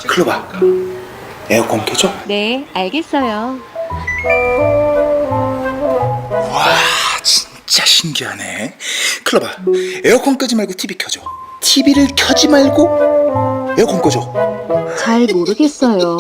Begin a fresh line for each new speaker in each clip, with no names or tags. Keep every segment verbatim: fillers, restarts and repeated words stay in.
클로바, 에어컨 켜줘.
네, 알겠어요.
와, 진짜 신기하네. 클로바, 에어컨 끄지 말고 티비 켜줘. 티비를 켜지 말고 에어컨 꺼줘.
잘 모르겠어요.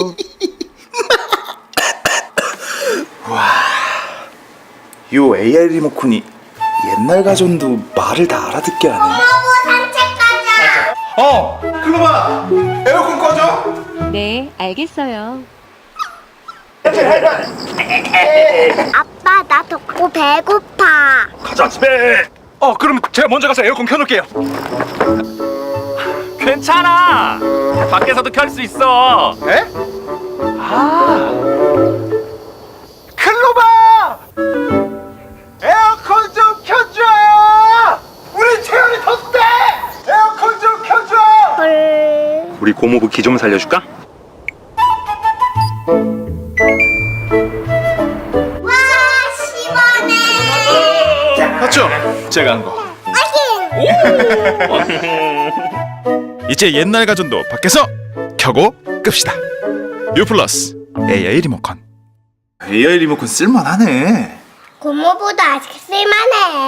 요 에이아이 리모컨이 옛날 가전도 말을 다 알아듣게 하네.
고모부 산책 가자.
어, 클로바, 에어컨 꺼줘.
네, 알겠어요.
아빠, 나 덥고 배고파.
가자 집에. 어 그럼 제가 먼저 가서 에어컨 켜놓을게요. 괜찮아. 밖에서도 켤 수 있어.
에? 아, 클로바, 에어컨 좀 켜줘. 우리 태연이 덥대. 에어컨 좀 켜줘.
헐.
우리 고모부 기 좀 살려줄까?
와, 시원해.
맞죠? 제가 한 거.
이제 옛날 가전도 밖에서 켜고 끕시다. 유플러스 에이아이 리모컨.
에이아이 리모컨 쓸만하네.
고모부도 아직 쓸만해.